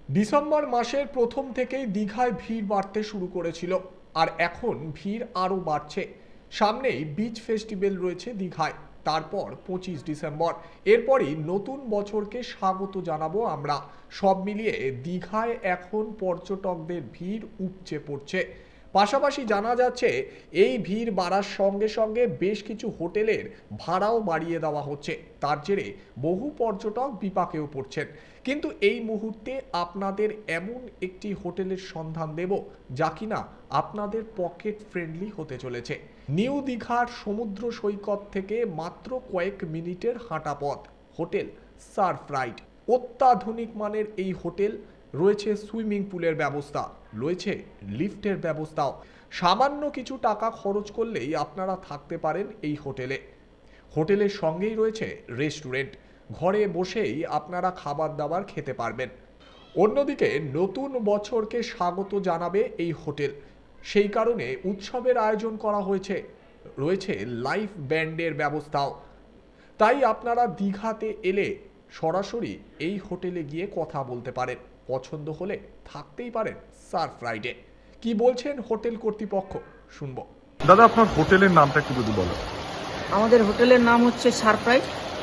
December মাসের প্রথম থেকেই দীঘায় ভিড় বাড়তে শুরু করেছিল, আর এখন ভিড় আরও বাড়ছে। সামনেই বিচ ফেস্টিভ্যাল রয়েছে দীঘায়, তারপর 25 ডিসেম্বর। এরপরই নতুন বছরকে স্বাগত জানাবো আমরা। সব মিলিয়ে দীঘায় এখন পর্যটকদের ভিড় উপচে পড়ছে। পাশাপাশি জানা যাচ্ছে এই ভিড় বাড়ার সঙ্গে সঙ্গে বেশ কিছু হোটেলের ভাড়াও বাড়িয়ে দেওয়া হচ্ছে। তার জেরে বহু পর্যটক বিপাকেও পড়ছেন। কিন্তু এই মুহূর্তে আপনাদের এমন একটি হোটেলের সন্ধান দেব যা কিনা আপনাদের পকেট ফ্রেন্ডলি হতে চলেছে। নিউ দীঘার সমুদ্র সৈকত থেকে মাত্র কয়েক মিনিটের হাঁটা পথ, হোটেল সারফ্রাইড। অত্যাধুনিক মানের এই হোটেল, রয়েছে সুইমিং পুলের ব্যবস্থা, রয়েছে লিফটের ব্যবস্থাও। সামান্য কিছু টাকা খরচ করলেই আপনারা থাকতে পারেন এই হোটেলে। হোটেলের সঙ্গেই রয়েছে রেস্টুরেন্ট, ঘরে বসেই আপনারা খাবার দাবার খেতে পারবেন। অন্যদিকে নতুন বছরকে স্বাগত জানাবে এই হোটেল, সেই কারণে উৎসবের আয়োজন করা হয়েছে। রয়েছে লাইভ ব্যান্ডের ব্যবস্থাও। তাই আপনারা দীঘাতে এলে সরাসরি এই হোটেলে গিয়ে কথা বলতে পারেন। পছন্দ হলে থাকতেই পারেন সারফ্রাইডে। কি বলছেন হোটেল কর্তৃপক্ষ, শুনবো। দাদা, আপনার হোটেলের নামটা একটু যদি বলো। আমাদের হোটেলের নাম হচ্ছে সারফ্রাইড।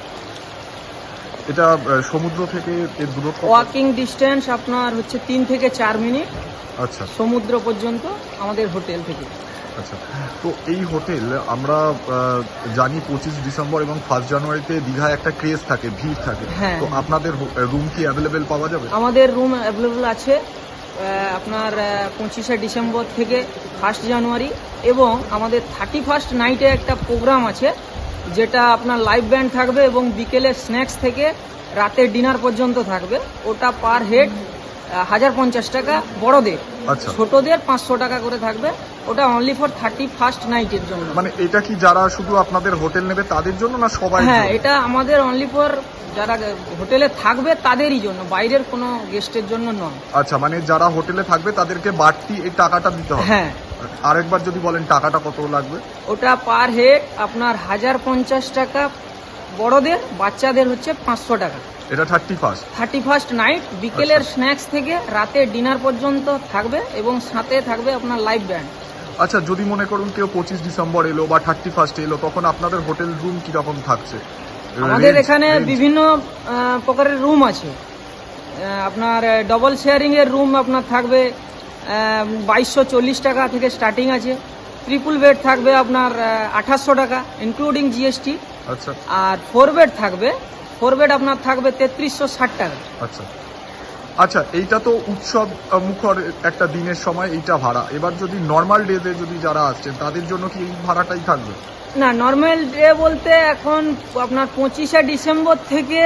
এটা সমুদ্র থেকে এর দূরত্ব? ওয়াকিং ডিস্টেন্স আপনার হচ্ছে 3 থেকে 4 মিনিট আচ্ছা, সমুদ্র পর্যন্ত আমাদের হোটেল থেকে। আচ্ছা। তো এই হোটেল আমরা জানি 25 ডিসেম্বর এবং 1 জানুয়ারিতে দীঘায় একটা ক্রেজ থাকে, ভিড় থাকে। হ্যাঁ। তো আপনাদের রুম কি অ্যাভেলেবেল পাওয়া যাবে? আমাদের রুম অ্যাভেলেবল আছে আপনার 25শে ডিসেম্বর থেকে 1 জানুয়ারি, এবং আমাদের 31st নাইটে একটা প্রোগ্রাম আছে যেটা আপনার লাইভ ব্যান্ড থাকবে এবং বিকেলে স্ন্যাক্স থেকে রাতের ডিনার পর্যন্ত থাকবে। ওটা পার হেড 1050 টাকা বড়দের, আচ্ছা। ছোটদের 500 টাকা করে থাকবে। ওটা অনলি ফর 31st নাইটের জন্য। মানে এটা কি যারা শুধু আপনাদের হোটেল নেবে তাদের জন্য না সবাই? হ্যাঁ, এটা আমাদের অনলি ফর যারা হোটেলে থাকবে তাদেরই জন্য, বাইরের কোনো গেস্টের জন্য নয়। আচ্ছা, মানে যারা হোটেলে থাকবে তাদেরকে বাড়তি এই টাকাটা দিতে হবে? হ্যাঁ। আরেকবার যদি বলেন টাকাটা কত লাগবে? ওটা পার হেড আপনার 1050 টাকা বড়দের, বাচ্চাদের হচ্ছে 500 টাকা। এটা 31st নাইট বিকেলের স্ন্যাক্স থেকে রাতের ডিনার পর্যন্ত থাকবে, এবং সাথে থাকবে আপনার লাইভ ব্যান্ড। আচ্ছা, যদি মনে করুন কেউ 25 ডিসেম্বর এলো বা 31 এলো, তখন আপনাদের হোটেল রুম কিরকম থাকছে? আমাদের এখানে বিভিন্ন প্রকারের রুম আছে। আপনার ডবল শেয়ারিং এর রুম আপনার থাকবে 2240 টাকা থেকে স্টার্টিং আছে। ট্রিপল বেড থাকবে আপনার 2800 টাকা ইনক্লুডিং জিএসটি। আচ্ছা। আর 4 বেড থাকবে, 4 বেড আপনার থাকবে 3360 টাকা। আচ্ছা আচ্ছা, এইটা তো উৎসব মুখর একটা দিনের সময় এইটা ভাড়া। এবার যদি নর্মাল ডেতে যদি যারা আসছেন তাদের জন্য কি এই ভাড়াটাই থাকবে? না, নর্মাল ডে বলতে এখন আপনার 25শে ডিসেম্বর থেকে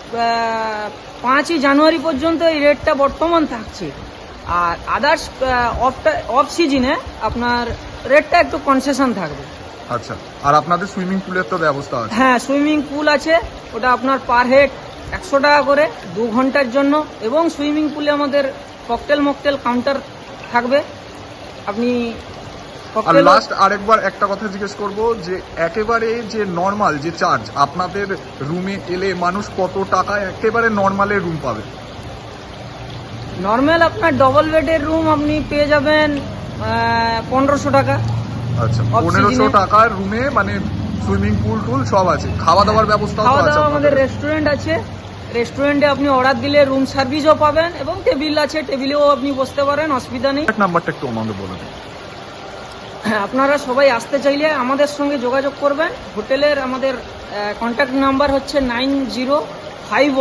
5ই জানুয়ারি পর্যন্ত এই রেটটা বর্তমান থাকছে। আর আদার্স অফ সিজনে আপনার রেটটা একটু কনসেশন থাকবে। আচ্ছা, আর আপনাদের সুইমিং পুলের তো ব্যবস্থা আছে? হ্যাঁ, সুইমিং পুল আছে। ওটা আপনার পার হেড 100 টাকা করে 2 ঘন্টার জন্য, এবং সুইমিং পুলে আমাদের ককটেল মকটেল কাউন্টার থাকবে। আপনি আর লাস্ট আরেকবার একটা কথা জিজ্ঞেস করব, যে একেবারে যে নর্মাল যে চার্জ আপনাদের রুমে এলে মানুষ কত টাকা একেবারে নর্মালের রুম পাবে? নর্মাল আপনার ডবল বেডের রুম আপনি পেয়ে যাবেন 1500 টাকা। আচ্ছা, Off 1500 season-এ টাকার রুমে মানে সুইমিং পুল টুল সব আছে, খাওয়া দাওয়ার ব্যবস্থা খাওয়া আছে? দাওয়া আমাদের রেস্টুরেন্ট আছে। রেস্টুরেন্টে আপনি অর্ডার দিলে রুম সার্ভিসও পাবেন, এবং টেবিল আছে, টেবিলেও আপনি বসতে পারেন, অসুবিধা নেই। নাম্বারটা একটু আমাদের বলে দিন। আপনারা সবাই আসতে চাইলে আমাদের সঙ্গে যোগাযোগ করবেন। হোটেলের আমাদের কন্ট্যাক্ট নাম্বার হচ্ছে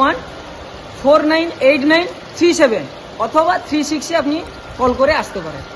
9051498937 অথবা 36-এ আপনি কল করে আসতে পারেন।